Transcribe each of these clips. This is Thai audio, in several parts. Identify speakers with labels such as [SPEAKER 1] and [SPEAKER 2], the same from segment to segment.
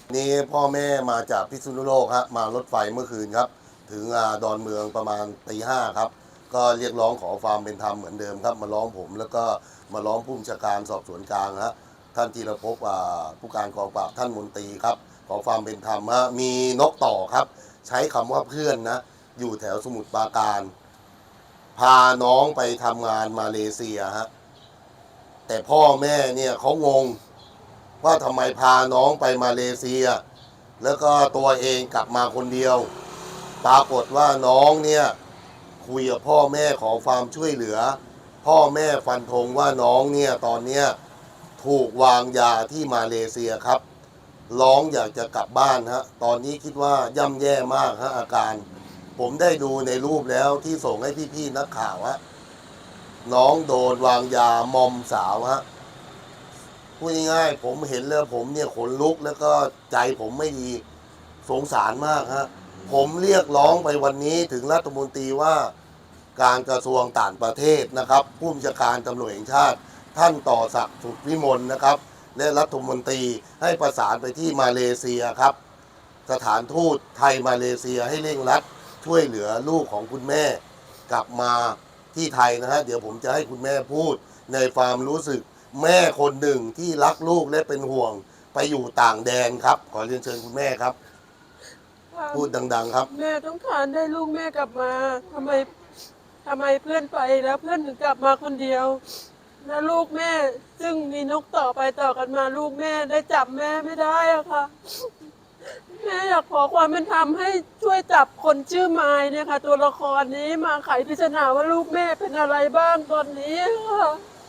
[SPEAKER 1] นี่พ่อแม่มาจากพิษณุโลกฮะมารถไฟเมื่อคืนครับถึงดอนเมืองประมาณตี 5ครับก็เรียกร้องขอความเป็นธรรมเหมือนเดิมครับมาร้องผมแล้วก็มาร้องผู้บัญชาการสอบสวนกลางฮะท่านธีรภพผู้การกองปราบท่านมนตรีครับขอความเป็นธรรมฮะมีนกต่อครับใช้คำว่าเพื่อนนะอยู่แถวสมุทรปราการพาน้องไปทำงานมาเลเซียฮะแต่พ่อแม่เนี่ยเขางงว่าทำไมพาน้องไปมาเลเซียแล้วก็ตัวเองกลับมาคนเดียวปรากฏว่าน้องเนี่ยคุยกับพ่อแม่ขอความช่วยเหลือพ่อแม่ฟันธงว่าน้องเนี่ยตอนเนี้ยถูกวางยาที่มาเลเซียครับร้องอยากจะกลับบ้านฮะตอนนี้คิดว่าย่ำแย่มากฮะอาการผมได้ดูในรูปแล้วที่ส่งให้พี่ๆนักข่าวฮะน้องโดนวางยามอมสาวฮะ พูดง่ายๆผมเห็นแล้วผมเนี่ยขนลุกแล้วก็ใจผมไม่ดีสงสารมากฮะผมเรียกร้องไปวันนี้ถึงรัฐมนตรีว่าการกระทรวงต่างประเทศนะครับผู้บัญชาการตำรวจแห่งชาติท่านต่อศักดิ์สุขวิมลนะครับและรัฐมนตรีให้ประสานไปที่มาเลเซียครับสถานทูตไทยมาเลเซียให้เร่งรัดช่วยเหลือลูกของคุณแม่กลับมาที่ไทยนะฮะเดี๋ยวผมจะให้คุณแม่พูดในความรู้สึกแม่คนหนึ่งที่รักลูกและเป็นห่วงไปอยู่ต่างแดนครับขอเรียนเชิญคุณแม่ครับพูดดังๆครับ
[SPEAKER 2] แม่ต้องการได้ลูกแม่กลับมาทำไมเพื่อนไปแล้วเพื่อนถึงกลับมาคนเดียวแล้วลูกแม่ซึ่งมีนกต่อไปต่อกันมาลูกแม่ได้จับแม่ไม่ได้อะค่ะแม่อยากขอความเป็นธรรมให้ช่วยจับคนชื่อไม้เนี่ยค่ะตัวละครนี้มาไขปริศนาว่าลูกแม่เป็นอะไรบ้างตอนนี้ค่ะ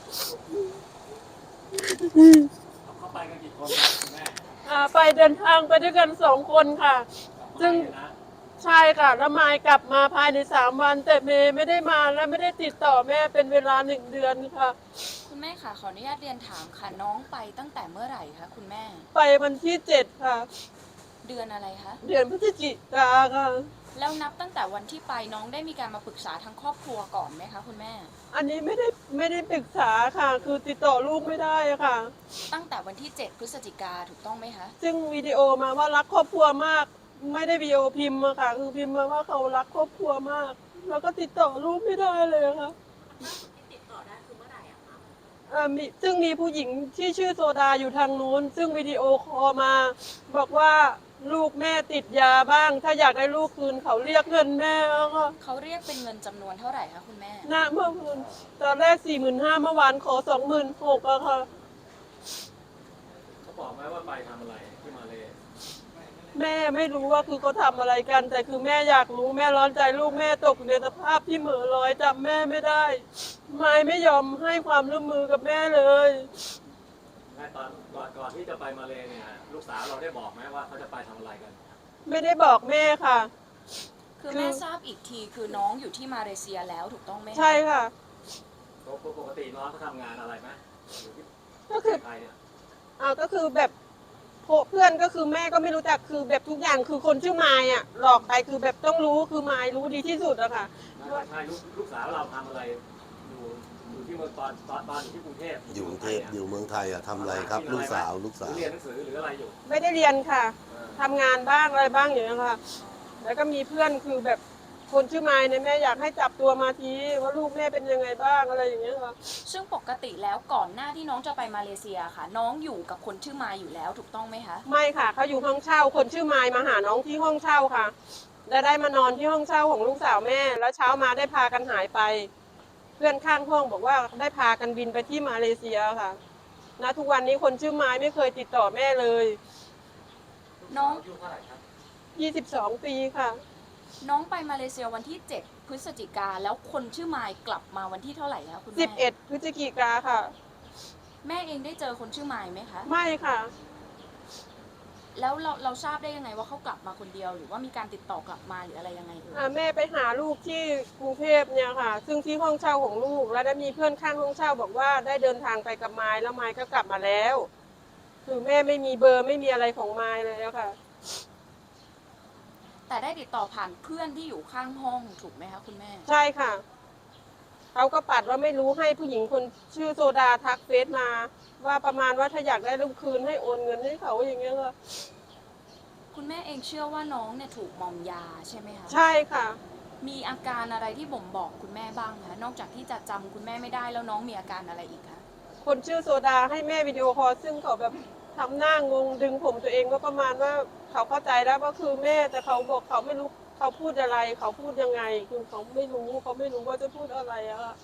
[SPEAKER 3] เขาไปกันกี่คนครับคุณแม่
[SPEAKER 2] ไปเดินทางไปด้วยกัน2 คนค่ะซึ่ง
[SPEAKER 3] นะ
[SPEAKER 2] ใช่ค่ะแล้วมายกลับมาภายใน3 วันแต่เมย์ไม่ได้มาและไม่ได้ติดต่อแม่เป็นเวลา1 เดือนค่ะ
[SPEAKER 4] คุณแม่ค่ะขออนุญาตเรียนถามค่ะน้องไปตั้งแต่เมื่อไหร่คะคุณแม่
[SPEAKER 2] ไปวันที่7ค่ะ
[SPEAKER 4] เดือนอะไรคะ
[SPEAKER 2] เดือนพฤศจิกาค่ะ
[SPEAKER 4] แล้วนับตั้งแต่วันที่ไปน้องได้มีการมาปรึกษาทางครอบครัวก่อนไหมคะคุณแม่
[SPEAKER 2] อันนี้ไม่ได้ปรึกษาค่ะคือติดต่อลูกไม่ได้อะค่ะ
[SPEAKER 4] ตั้งแต่วันที่7พฤศจิกาถูกต้องไหมคะ
[SPEAKER 2] ซึ่งวิดีโอมาว่ารักครอบครัวมากไม่ได้วิดีโอพิมพ์อะค่ะคือพิมพ์มาว่าเขารักครอบครัวมากแล้วก็ติดต่อลูกไม่ได้เลยค่ะซึ่งมีผู้หญิงที่ชื่อโซดาอยู่ทางนู้นซึ่งวิดีโอคอลมาบอกว่าลูกแม่ติดยาบ้างถ้าอยากได้ลูกคืนเขาเรียกเงินแม่ค่ะ
[SPEAKER 4] เขาเรียกเป็นเงินจำนวนเท่าไหร่คะคุณแม่
[SPEAKER 2] เมื่อคืนตอนแรก45,000เมื่อวานขอ26,000อะค่ะ
[SPEAKER 3] เขาบอกไหมว่าไปทำอะไรที่มาเล
[SPEAKER 2] แม่ไม่รู้ว่าคือเขาทำอะไรกันแต่คือแม่อยากรู้แม่ร้อนใจลูกแม่ตกอยู่ในสภาพที่เหม่อลอยจำแม่ไม่ได้ไม่ยอมให้ความร่วมมือกับแม่เลย
[SPEAKER 3] แม่ตอนก่อนที่จะไปมาเลเนี่ยลูกสาวเราได้บอกไหมว่าเขาจะไปทำอะไรกัน
[SPEAKER 2] ไม่ได้บอกแม่ค่ะ
[SPEAKER 4] คือแม่ทราบอีกทีคือน้องอยู่ที่มาเลเซียแล้วถูกต้องไหม
[SPEAKER 2] ใช่ค่ะ
[SPEAKER 3] ปกติน้องเขาทำงานอะไรไหมอยู่ที่
[SPEAKER 2] ก็คือ
[SPEAKER 3] ไทยเนี่ย
[SPEAKER 2] ก็คือแบบเพื่อนก็คือแม่ก็ไม่รู้จักคือแบบทุกอย่างคือคนชื่อไมายอ่ะหลอกไปคือแบบต้องรู้คือไมายรู้ดีที่สุดอะค่ะ
[SPEAKER 3] ใช่ลูกสาวเราทำอะไรอยู่ที่เมืองตอนอยู่ที่กรุงเทพ
[SPEAKER 1] อยู่กรุงเทพอยู่เมืองไทยทำอะไรครับลูกสาว
[SPEAKER 3] เรียนหนังสือหรืออะไรอยู่
[SPEAKER 2] ไม่ได้เรียนค่ะทำงานบ้างอะไรบ้างอย่างนี้ค่ะแล้วก็มีเพื่อนคือแบบคนชื่อไมายเนี่ยแม่อยากให้จับตัวมาทีว่าลูกแม่เป็นยังไงบ้างอะไรอย่างเงี้ยค่ะ
[SPEAKER 4] ซึ่งปกติแล้วก่อนหน้าที่น้องจะไปมาเลเซียค่ะ น้องอยู่กับคนชื่อมายอยู่แล้วถูกต้องไหมคะ
[SPEAKER 2] ไม่ค่ะเขาอยู่ห้องเช่าคนชื่อไมายมาหาน้องที่ห้องเช่าค่ะและได้มานอนที่ห้องเช่าของลูกสาวแม่แล้วเช้ามาได้พากันหายไปเพื่อนข้างห้องบอกว่าได้พากันบินไปที่มาเลเซียค่ะณทุกวันนี้คนชื่อไม้ไม่เคยติดต่อแม่เลย
[SPEAKER 4] น้อง
[SPEAKER 3] อายุเท่าไหร่ครับ
[SPEAKER 2] 22 ปีค่ะ
[SPEAKER 4] น้องไปมาเลเซียวันที่7พฤศจิกาแล้วคนชื่อมายกลับมาวันที่เท่าไหร่คะคุณแม่
[SPEAKER 2] 11 พฤศจิกาค่ะ
[SPEAKER 4] แม่เองได้เจอคนชื่อมายไหมคะ
[SPEAKER 2] ไม่ค่ะ
[SPEAKER 4] แล้วเราทราบได้ยังไงว่าเขากลับมาคนเดียวหรือว่ามีการติดต่อกลับมาหรืออะไรยังไง
[SPEAKER 2] แม่ไปหาลูกที่กรุงเทพเนี่ยค่ะซึ่งที่ห้องเช่าของลูกแล้วได้มีเพื่อนข้างห้องเช่าบอกว่าได้เดินทางไปกับไม้แล้วไม้ก็กลับมาแล้วคือแม่ไม่มีเบอร์ไม่มีอะไรของไม้เลยแล้วค่ะ
[SPEAKER 4] แต่ได้ติดต่อผ่านเพื่อนที่อยู่ข้างห้องถูกไหมคะคุณแม่
[SPEAKER 2] ใช่ค่ะเขาก็ปัดว่าไม่รู้ให้ผู้หญิงคนชื่อโซดาทักเฟซมาว่าประมาณว่าถ้าอยากได้ลูกคืนให้โอนเงินให้เขาอย่างเงี้ยค่ะ
[SPEAKER 4] คุณแม่เองเชื่อว่าน้องเนี่ยถูกมอมยาใช่ไหมคะ
[SPEAKER 2] ใช่ค่ะ
[SPEAKER 4] มีอาการอะไรที่บ่งบอกคุณแม่บ้างคะนอกจากที่จะจำคุณแม่ไม่ได้แล้วน้องมีอาการอะไรอีกคะ
[SPEAKER 2] คนชื่อโซดาให้แม่วิดีโอคอลซึ่งเขาแบบทำหน้างงดึงผมตัวเองก็ประมาณว่าเขาเข้าใจแล้วว่าคือแม่แต่เขาบอกเขาไม่รู้เขาพูดอะไรเขาพูดยังไงคือเขาไม่รู้ว่าจะพูดอะไรอะค่ะ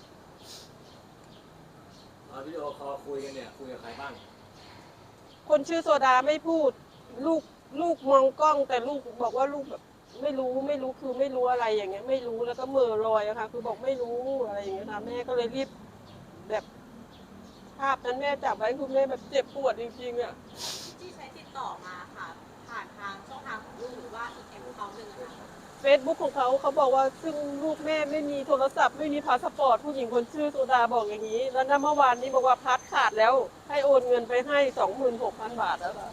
[SPEAKER 3] ตอนวิดีโอคอลคุยกันเนี่ยคุยกับใครบ้าง
[SPEAKER 2] คนชื่อโซดาไม่พูดลูกมองกล้องแต่ลูกบอกว่าลูกแบบไม่รู้คือไม่รู้อะไรอย่างเงี้ยไม่รู้แล้วก็เหม่อลอยอะค่ะคือบอกไม่รู้อะไรอย่างเงี้ยค่ะแม่ก็เลยรีบแบบภาพนั้นแม่จับไว้คือแม่แบบเจ็บปวดจริงๆอะ
[SPEAKER 5] ที่ใช้ติดต่อมาค่ะ ผ่านทางช่องทางของลูกหรือว่าอีกแอคเคาท์หนึ่งอะค่ะ
[SPEAKER 2] เฟซบุ๊กของเขาบอกว่าซึ่งลูกแม่ไม่มีโทรศัพท์ไม่มีพาสปอร์ตผู้หญิงคนชื่อโซดาบอกอย่างนี้ แล้วนะเมื่อวานนี้บอกว่าพัดขาดแล้วให้โอนเงินไปให้ 26,000 บาทแล้วค่ะ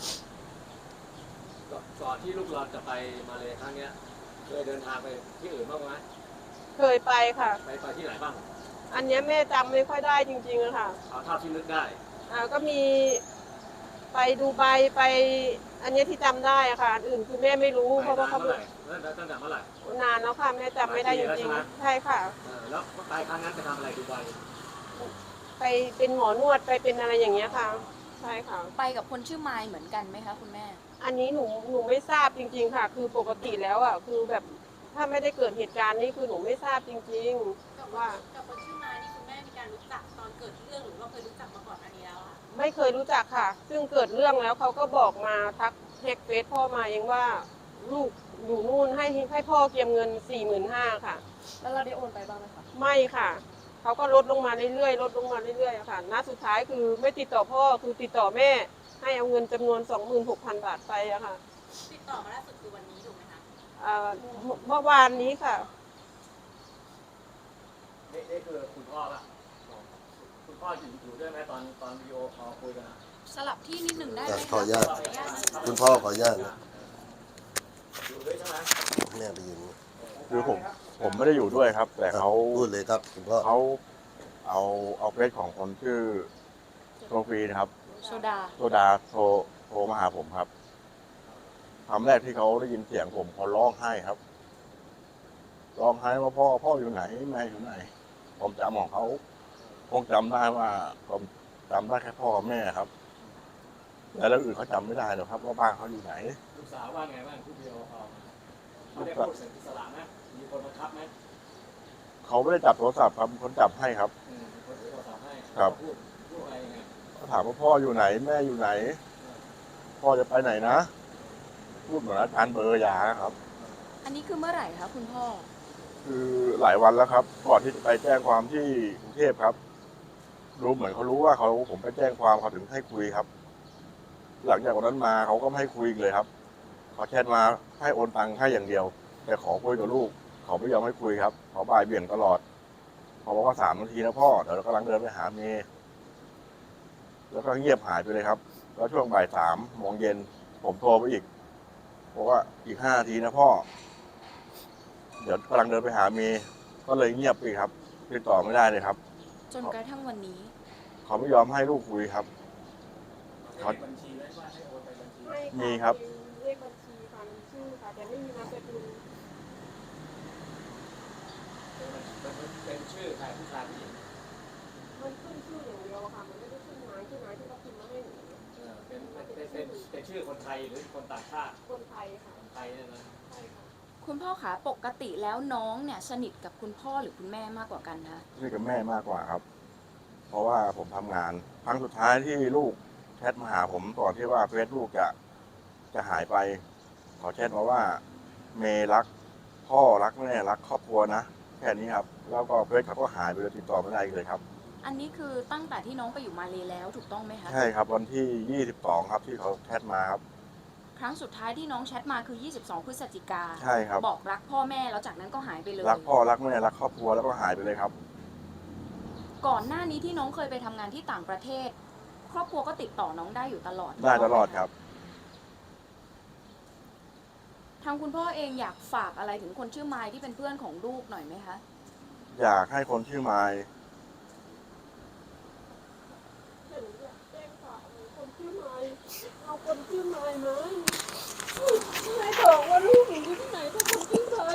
[SPEAKER 3] ก่อนที่ลูกเราจะไปมาเลครั้งเนี้ยเคยเดินทางไปที่อื่นบ้างไหม
[SPEAKER 2] เคยไปค่ะ
[SPEAKER 3] ไปที่ไหนบ้าง
[SPEAKER 2] อันเนี้ยแม่จำไม่ค่อยได้จริงๆอะค่ะ
[SPEAKER 3] เอาเท่าที่นึกได้
[SPEAKER 2] ก็มีไปดูไบไป อันเนี้ยที่จำได้อะค่ะอันอื่นคือแม่ไม่รู้
[SPEAKER 3] ไป
[SPEAKER 2] เพราะว่า
[SPEAKER 3] นา
[SPEAKER 2] เขา
[SPEAKER 3] นเมื่อไหร่ตั้งแต่เมื่อไหร่
[SPEAKER 2] นานแล้วค่ะแม่จำไม่ได้จ
[SPEAKER 3] หลายปีแล้วใช่
[SPEAKER 2] ริง
[SPEAKER 3] ไหม
[SPEAKER 2] ๆใช่ค่ะ
[SPEAKER 3] แล้วไปครั้งนั้นไปทำอะไรดูไบ
[SPEAKER 2] ไปเป็นหมอนวดไปเป็นอะไรอย่างเงี้ยค่ะ ใช่ค่ะ
[SPEAKER 4] ไปกับคนชื่อไมล์เหมือนกันไหมคะคุณแม่
[SPEAKER 2] อันนี้หนูไม่ทราบจริง ๆ ค่ะ คือปกติแล้วอ่ะคือแบบถ้าไม่ได้เกิดเหตุการณ์นี้คือหนูไม่ทราบจริง
[SPEAKER 5] กับ
[SPEAKER 2] ๆ ว่า
[SPEAKER 5] กับคนชื่อไม้นี่คุณแม่มีการรู้จักตอนเกิดเรื่องหรือว่าเคยรู้จักมาก่อนอันนี้แล้วอะ
[SPEAKER 2] ไม่เคยรู้จักค่ะ ซึ่งเกิดเรื่องแล้วเขาก็บอกมาทักแฮกเฟซพ่อมาเองว่า ลูกอยู่นู่นให้พ่อเก็บเงิน 45,000ค่ะ
[SPEAKER 4] แล้วเราได้โอนไปบ้างไหมคะ
[SPEAKER 2] ไม่ค่ะเขาก็ลดลงมาเรื่อยๆลดลงมาเรื่อยๆอะค่ะณสุดท้ายคือไม่ติดต่อพ่อคือติดต่อแม่ ให้เอาเงินจำนวน 26,000 บาทไปอะค่ะ
[SPEAKER 5] ติดต่อมาล่าสุดคือวันนี้ถูกไหมคะ
[SPEAKER 2] เมื่อวานนี้ค่ะ
[SPEAKER 3] นี่คือคุณพ่อละคุณพ่ออยู่ด้วยไหมตอนวิดีโอคอลคุยกันอะ
[SPEAKER 4] สลับที่นิดหนึ่งได้ไหม
[SPEAKER 1] ขออนุญาต
[SPEAKER 4] ขออนุญาตนะคะ
[SPEAKER 1] คุณพ่อขออนุญาตนะ
[SPEAKER 3] อยู่ด้วยใช่ไหม
[SPEAKER 1] แม่ไปยืน
[SPEAKER 6] คือผมไม่ได้อยู่ด้วยครับ แต่เขา
[SPEAKER 1] พูดเลยครับคุณพ่อ
[SPEAKER 6] เขาเอาเฟซของคนชื่อโซฟีนะครับ
[SPEAKER 4] โซดา
[SPEAKER 6] โซดาโทรมาหาผมครับคำแรกที่เขาได้ยินเสียงผมเขาร้องไห้ครับร้องไห้ว่าพ่ออยู่ไหนแม่อยู่ไหน ผมจำของเขาคงจำได้ว่าผมจำได้แค่พ่อกับแม่ครับแล้วเรื่องอื่นเขาจำไม่ได้หรอกครับว่าบ้านเขาอยู่ไหน
[SPEAKER 3] ลูกสาวว่าไงบ้างที่วิดีโอคอลเขาได้พูดเสียงอิสระไหมมีคนบังคับไหม
[SPEAKER 6] เขาไม่ได้จับโทรศัพท์ครับคนจับให้ครับ
[SPEAKER 3] มีคนถือโทรศัพท์ให้
[SPEAKER 6] ครับ
[SPEAKER 3] พูดอะไรยังไง
[SPEAKER 6] เขาถามว่าพ่ออยู่ไหนแม่อยู่ไหน พ่อจะไปไหนนะ พูดเหมือนอาจารย์เบอร์ยาครับ
[SPEAKER 4] อันนี้คือเมื่อไหร่คะคุณพ่อ
[SPEAKER 6] คือหลายวันแล้วครับ ก่อนที่จะไปแจ้งความที่กรุงเทพครับ รู้เหมือนเขารู้ว่าผมไปแจ้งความเขาถึงให้คุยครับ หลังจากวันนั้นมาเขาก็ไม่ให้คุยอีกเลยครับเขาแชทมาให้โอนตังค์ให้อย่างเดียว แต่ขอคุยกับลูก เขาไม่ยอมให้คุยครับเขาบ่ายเบี่ยงตลอดเขาบอกว่า3 นาทีนะพ่อเดี๋ยวเรากำลังเดินไปหาเมย์แล้วก็เงียบหายไปเลยครับ แล้วช่วงบ่าย3 โมงเย็นผมโทรไปอีกบอกว่าอีก5 นาทีนะพ่อ เดี๋ยวกำลังเดินไปหาเมย์ก็เลยเงียบไปครับติดต่อไม่ได้เลยครับ
[SPEAKER 4] จนกระทั่งวันนี้
[SPEAKER 6] เขาไม่ยอมให้ลูกคุยครับ
[SPEAKER 3] เขาบัญชีไว้ว่าให้โอนไปบัญชี
[SPEAKER 2] ไม่ะ
[SPEAKER 6] มีครับ
[SPEAKER 2] เลขบัญชีค่ะมีชื่อค่ะแต่ไม่มีนามสกุล
[SPEAKER 3] เป็นชื่อใครผู้ชายผู้หญิง
[SPEAKER 2] มันขึ้นชื่ออย่างเดียวอะค่ะ มันไม่ได้ขึ้นนายที่เขาพิมพ์มาให้หนู
[SPEAKER 3] เป็นชื่อคนไทยหรือคนต่างชาติ
[SPEAKER 2] คนไทยค่ะ
[SPEAKER 3] คนไทยเนี่ยนะ
[SPEAKER 2] ใช่ค่ะ
[SPEAKER 4] คุณพ่อคะปกติแล้วน้องเนี่ยสนิทกับคุณพ่อหรือคุณแม่มากกว่ากันคะ
[SPEAKER 6] นี่กับแม่มากกว่าครับ เพราะว่าผมทำงาน ครั้งสุดท้ายที่ลูกแชทมาหาผมก่อนที่ว่าเฟซลูกจะหายไปเขาแชทมาว่าเมย์รักพ่อรักแม่รักครอบครัวนะแค่นี้ครับ แล้วก็เฟซเขาก็หายไปเลยติดต่อไม่ได้อีกเลยครับ
[SPEAKER 4] อันนี้คือตั้งแต่ที่น้องไปอยู่มาเลแล้วถูกต้องไหมคะ
[SPEAKER 6] ใช่ครับวันที่22ครับที่เขาแชทมาครับ
[SPEAKER 4] ครั้งสุดท้ายที่น้องแชทมาคือ 22 พฤศจิกา
[SPEAKER 6] ใช่ครับ
[SPEAKER 4] บอกรักพ่อแม่แล้วจากนั้นก็หายไปเลย
[SPEAKER 6] รักพ่อรักแม่รักครอบครัวแล้วก็หายไปเลยครับ
[SPEAKER 4] ก่อนหน้านี้ที่น้องเคยไปทำงานที่ต่างประเทศ ครอบครัวก็ติดต่อน้องได้อยู่ตลอด
[SPEAKER 6] ได้ตลอดครับ
[SPEAKER 4] ทางคุณพ่อเองอยากฝากอะไรถึงคนชื่อไมล์ที่เป็นเพื่อนของลูกหน่อยไหมคะ
[SPEAKER 6] อยากให้คนชื่อไมล์
[SPEAKER 2] เห็นอยากแจ้งข่าวคนชื่อไม้เอาคนชื่อไม้ไหม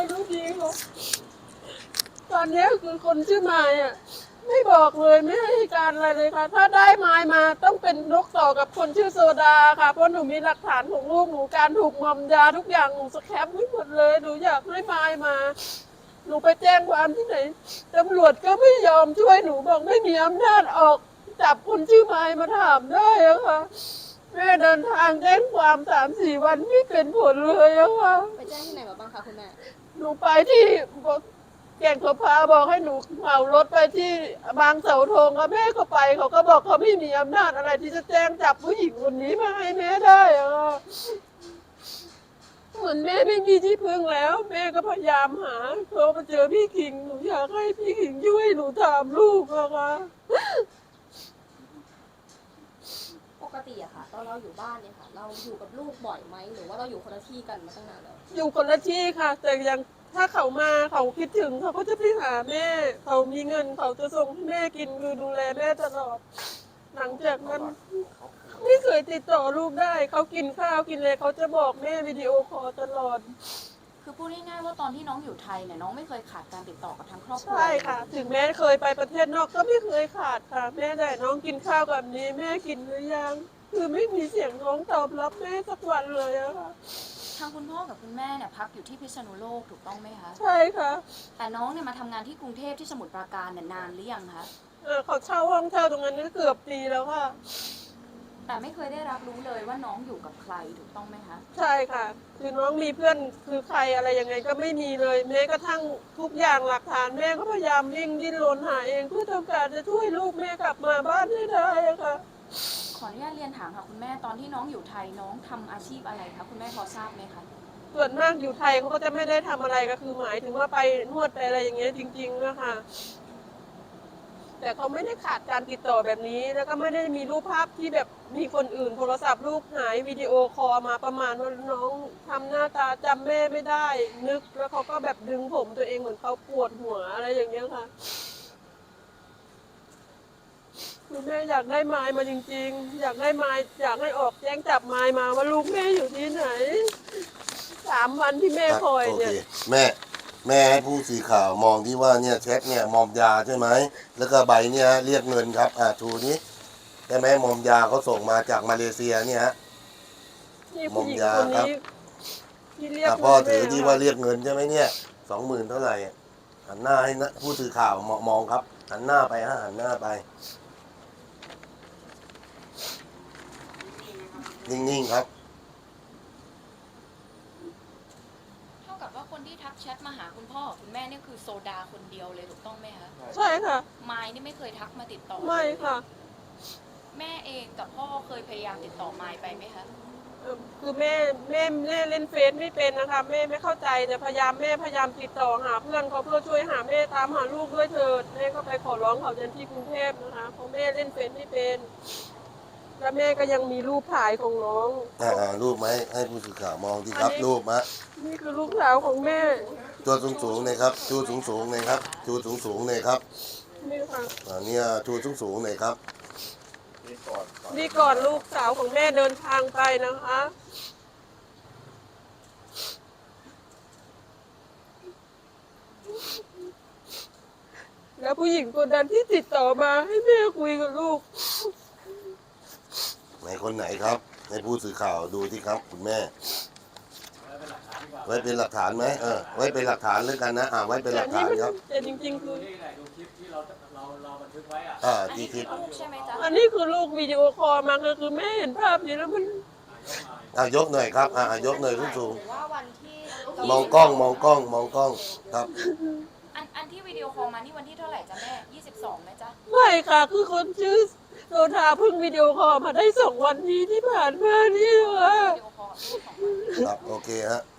[SPEAKER 2] ลูกดีเขาตอนนี้คือคนชื่อมายอ่ะไม่บอกเลยไม่ให้การอะไรเลยค่ะ ถ้าได้มายมาต้องเป็นนกต่อกับคนชื่อโซดาค่ะเพราะหนูมีหลักฐานของลูกหนูการถูกมอมยาทุกอย่างหนูสแคปไว้หมดเลยหนูอยากให้มายมาหนูไปแจ้งความที่ไหนตำรวจก็ไม่ยอมช่วยหนูบอกไม่มีอำนาจออกจับคนชื่อมายมาถามได้อะค่ะแม่เดินทางแจ้งความ3-4 วันไม่เป็นผลเลยอะค่ะ
[SPEAKER 7] ไปแจ้งที่ไหนมาบ้างคะคุณแม่
[SPEAKER 2] หนูไปที่แก่งขพาบอกให้หนูเหมารถไปที่บางเสาธงค่ะแม่ก็ไปเขาก็บอกเขาไม่มีอำนาจอะไรที่จะแจ้งจับผู้หญิงคนนี้มาให้แม่ได้อะค่ะเหมือนแม่ไม่มีที่พึ่งแล้ว แม่ก็พยายามหาโทรมาเจอพี่คิงหนูอยากให้พี่คิงช่วยหนูถามลูกอะค่ะ
[SPEAKER 7] ปกติอะค่ะตอนเราอยู่บ้านเนี่ยค่ะ เราอยู่กับลูกบ่อยไหมหรือว่าเราอยู่คนละที่กันมาตั้งนานแล้ว
[SPEAKER 2] อยู่คนละที่ค่ะ แต่ยังถ้าเขามาเขาคิดถึงเขาก็จะไปหาแม่ เขามีเงินเขาจะส่งให้แม่กินคือดูแลแม่ตลอด หลังจากนั้นไม่เคยติดต่อลูกได้ เขากินข้าวกินอะไรเขาจะบอกแม่วิดีโอคอลตลอด
[SPEAKER 4] คือพูดง่ายๆว่าตอนที่น้องอยู่ไทยเนี่ยน้องไม่เคยขาดการติดต่อกับทางครอบครัว
[SPEAKER 2] ใช่ค่ะ ถึงแม่เคยไปประเทศนอกก็ไม่เคยขาดค่ะ แม่ได้น้องกินข้าวแบบนี้ แม่กินหรือยัง คือไม่มีเสียงร้องตอบรับแม่สักวันเลยอะค่ะ
[SPEAKER 4] ทางคุณพ่อกับคุณแม่เนี่ยพักอยู่ที่พิษณุโลกถูกต้องไหมคะ
[SPEAKER 2] ใช่ค่ะ
[SPEAKER 4] แต่น้องเนี่ยมาทำงานที่กรุงเทพที่สมุทรปราการเนี่ยนานหรือยังคะ
[SPEAKER 2] เขาเช่าห้องเช่าตรงนั้นก็เกือบปีแล้วค่ะ
[SPEAKER 4] แต่ไม่เคยได้รับรู้เลยว่าน้องอยู่กับใครถูกต้องไหมคะ
[SPEAKER 2] ใช่ค่ะ คือน้องมีเพื่อนคือใครอะไรยังไงก็ไม่มีเลยแม้กระทั่งทุกอย่างหลักฐานแม่ก็พยายามวิ่งดิ้นรนหาเองเพื่อต้องการจะช่วยลูกแม่กลับมาบ้านให้ได้อะค่ะ
[SPEAKER 4] ขออนุญาตเรียนถามค่ะคุณแม่ตอนที่น้องอยู่ไทยน้องทำอาชีพอะไรคะคุณแม่พอทราบไหมคะ
[SPEAKER 2] ส่วนมากอยู่ไทยเขาก็จะไม่ได้ทำอะไรก็คือหมายถึงว่าไปนวดไปอะไรอย่างเงี้ยจริงๆนะคะแต่เขาไม่ได้ขาดการติดต่อแบบนี้ แล้วก็ไม่ได้มีรูปภาพที่แบบมีคนอื่นโทรศัพท์ลูกหายวิดีโอคอลมาประมาณว่าน้องทำหน้าตาจำแม่ไม่ได้ นึกแล้วเขาก็แบบดึงผมตัวเองเหมือนเขาปวดหัวอะไรอย่างเงี้ยค่ะคือแม่อยากได้ไม้มาจริงๆ อยากได้ไม้อยากให้ออกแจ้งจับไม้มาว่าลูกแม่อยู่ที่ไหน3 วันที่แม่คอย
[SPEAKER 1] โอ
[SPEAKER 2] เนี่
[SPEAKER 1] เค
[SPEAKER 2] ย
[SPEAKER 1] แม่ให้ผู้สื่อข่าวมองที่ว่าเนี่ยแชทเนี่ยมอมยาใช่ไหมแล้วก็ใบเนี่ยเรียกเงินครับชูนี้ใช่ไหมมอมยาเขาส่งมาจากมาเลเซียเนี่ยฮะ
[SPEAKER 2] นี่ผู้หญิงคนนี้ที่เรียก
[SPEAKER 1] พ่อถือ
[SPEAKER 2] แม่
[SPEAKER 1] ที่ว่าเรียกเงินใช่ไหมเนี่ย20,000เท่าไหร่หันหน้าให้นะผู้สื่อข่าวมองครับหันหน้าไปฮะหันหน้าไปนิ่งๆครับ
[SPEAKER 4] เท่ากับว่าคนที่ทักแชทมาหาคุณพ่อกับคุณแม่เนี่ยคือโซดาคนเดียวเลยถูกต้องไหมคะ
[SPEAKER 2] ใช่ค่ะ
[SPEAKER 4] ไมค์นี่ไม่เคยทักมาติดต่อ
[SPEAKER 2] ไม่ค่ะ
[SPEAKER 4] แม่เองกับพ่อเคยพยายามติดต่อไมค์ไปไหมคะ
[SPEAKER 2] คือแม่เล่นเฟซไม่เป็นนะคะแม่ไม่เข้าใจแต่พยายามติดต่อหาเพื่อนเขาเพื่อช่วยหาแม่ตามหาลูกด้วยเถิดแม่ก็ไปขอร้องเขาเดินที่กรุงเทพนะคะเพราะแม่เล่นเฟซไม่เป็นแล้วแม่ก็ยังมีรูปถ่ายของน้อง
[SPEAKER 1] รูปไหมให้ผู้สื่อข่าวมองที่ครับ
[SPEAKER 2] อันนี้
[SPEAKER 1] รูปมะ
[SPEAKER 2] นี่คือลูกสาวของแม่
[SPEAKER 1] ตัวสูงๆเลยครับชูสูงๆเลยครับชูสูงๆเลยครับ
[SPEAKER 2] นี่ค่ะ
[SPEAKER 1] เนี่ยชูสูงๆเลยครับ
[SPEAKER 6] นี่ก่อน
[SPEAKER 2] นี่ก่อนลูกสาวของแม่เดินทางไปนะคะ แล้วผู้หญิงคนนั้นที่ติดต่อมาให้แม่คุยกับลูก
[SPEAKER 1] ไหนคนไหนครับให้ผู้สื่อข่าวดูที่ครับคุณแม่ ไว้เป็นหลักฐานไหมไว้เป็นหลักฐานแล้วกันนะไว้เป็นหลักฐานครับ
[SPEAKER 2] แต่จริงๆคือ
[SPEAKER 3] นี่แหละดูคลิปที่เราบันทึกไว้อะ
[SPEAKER 4] อัน
[SPEAKER 1] ที่
[SPEAKER 4] นี้
[SPEAKER 1] คลิป
[SPEAKER 4] ลูกใช่ไหมจ๊ะ
[SPEAKER 2] อันนี้คือลูกวิดีโอคอลมาคือแม่เห็นภาพนี้แล้วมัน
[SPEAKER 1] ยกหน่อยครับยกหน่อยสูง
[SPEAKER 7] หรือว่าวันที่
[SPEAKER 1] ๆมองกล้องครับ
[SPEAKER 4] อันที่วิดีโอคอลมานี่วันที่เท่าไหร่จ๊ะแม่22ไหมจ๊ะ
[SPEAKER 2] ไม่ค่ะ คือคนชื่อโซดาเพิ่งวิดีโอคอลมาได้2 วันนี้ที่ผ่านมานี่ค่ะ
[SPEAKER 4] วิดีโอคอลกับลูก2 วัน
[SPEAKER 1] ครับโอเคฮะ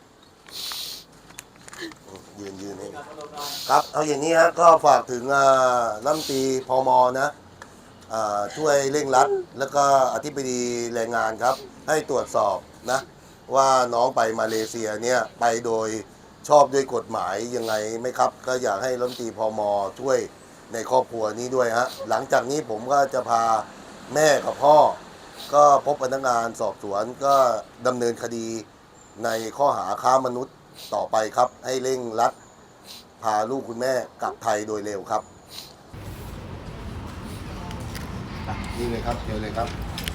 [SPEAKER 1] ยืนให้ครับเอาอย่างนี้ฮะก็ฝากถึงรัฐมนตรีพมนะช่วยเร่งรัดแล้วก็อธิบดีแรงงานครับ ให้ตรวจสอบนะว่าน้องไปมาเลเซียเนี่ยไปโดยชอบด้วยกฎหมายยังไงไหมครับ ก็อยากให้รัฐมนตรีพมช่วยในครอบครัวนี้ด้วยฮะหลังจากนี้ผมก็จะพาแม่กับพ่อ ก็พบพนักงานสอบสวนก็ดำเนินคดีในข้อหาค้ามนุษย์ต่อไปครับ ให้เร่งรัดพาลูกคุณแม่กลับไทยโดยเร็วครับนี่เลยครับเชิญเลยครับ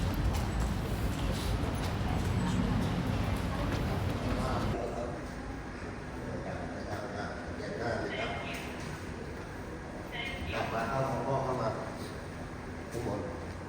[SPEAKER 1] กลับมาเข้าพ่อเข้ามาทุกคน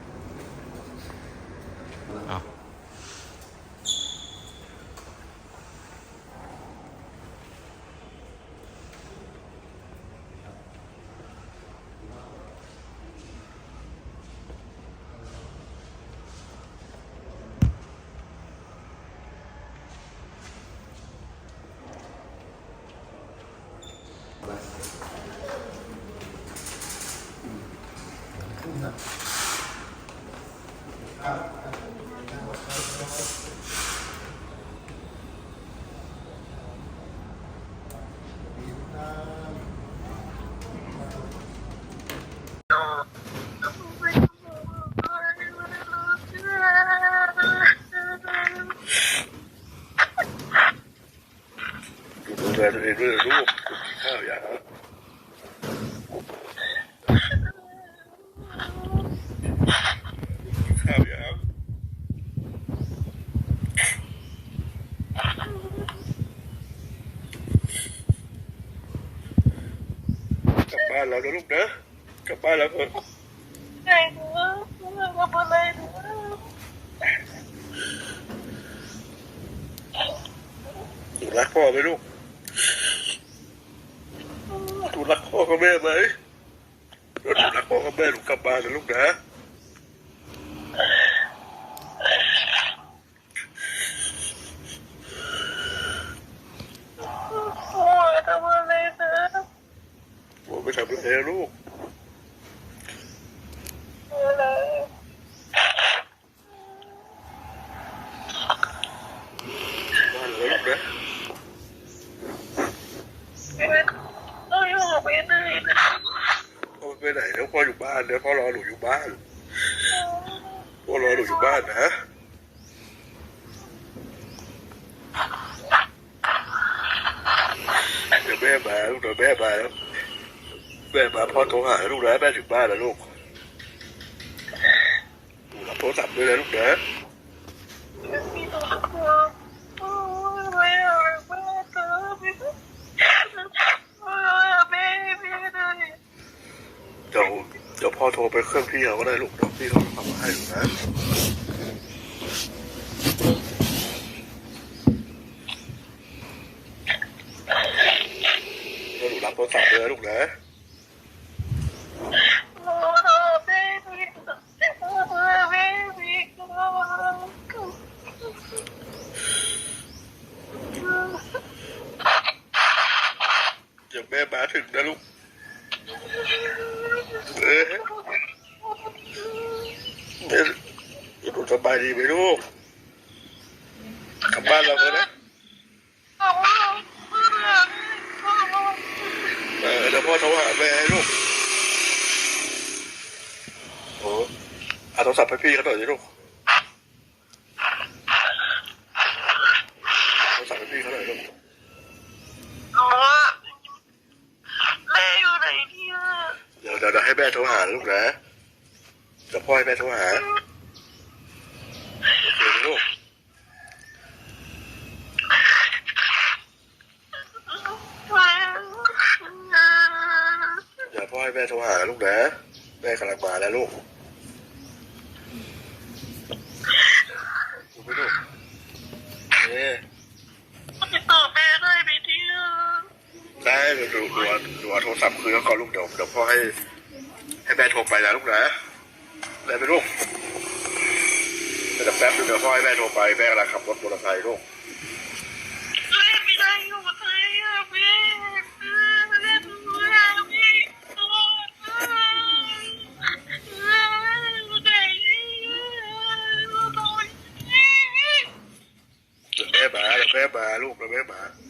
[SPEAKER 6] ดูแลตัวเองด้วยลูกข้าวอย่างข้าวอย่างกลับบ้านเรานะลูกนะกลับบ้านเราเถอะหนูรักพ่อไหมลูกหนูรักพ่อกับแม่ไหมแล้วหนูรักพ่อกับแม่หนูกลับบ้านนะลูกนะพ่อไม่ทำอะไรนะลูกบ้านเลยลูกนะพ่อไปไหนแล้วพ่ออยู่บ้านนะพ่อรอหนูอยู่บ้านพ่อรอหนูอยู่บ้านนะเดี๋ยวแม่มาลูกเดี๋ยวแม่มาแล้วแม่มาพ่อโทรหาลูกนะแม่ถึงบ้านแล้วลูกรับโทรศัพท์ด้วยนะลูกนะเดี๋ยวพ่อโทรไปเครื่องพี่เขาก็ได้ลูกเดี๋ยวพี่เขาทำมาให้ลูกนะหนูรับโทรศัพท์ด้วยนะลูกนะเดี๋ยวแม่มาถึงนะลูกหนูสบายดีไหมลูกกลับบ้านเราเถอะนะเดี๋ยวพ่อโทรหาแม่ให้ลูกโอ้เอาโทรศัพท์ให้พี่เขาหน่อยสิลูกโทรศัพท์ให้พี่เขาหน่อยลูกเดี๋ยวให้แม่โทรหาลูกนะเดี๋ยวพ่อให้แม่โทรหาโอเคไหมลูกเดี๋ยวพ่อให้แม่โทรหาลูกนะแม่กำลังมาแล้วลูกดูไปลูกติดต่อแม่ได้ไหมที่ได้ดูโทรศัพท์คืนแล้วก่อนลูกเดี๋ยวพ่อให้แม่โทรไปนะลูกนะได้ไหมลูกเดี๋ยวแป๊บนึงเดี๋ยวพ่อให้แม่โทรไปแม่กำลังขับรถมอเตอร์ไซค์ลูกไม่ได้อยู่กับใครอ่ะแม่แม่มาลูกแม่มา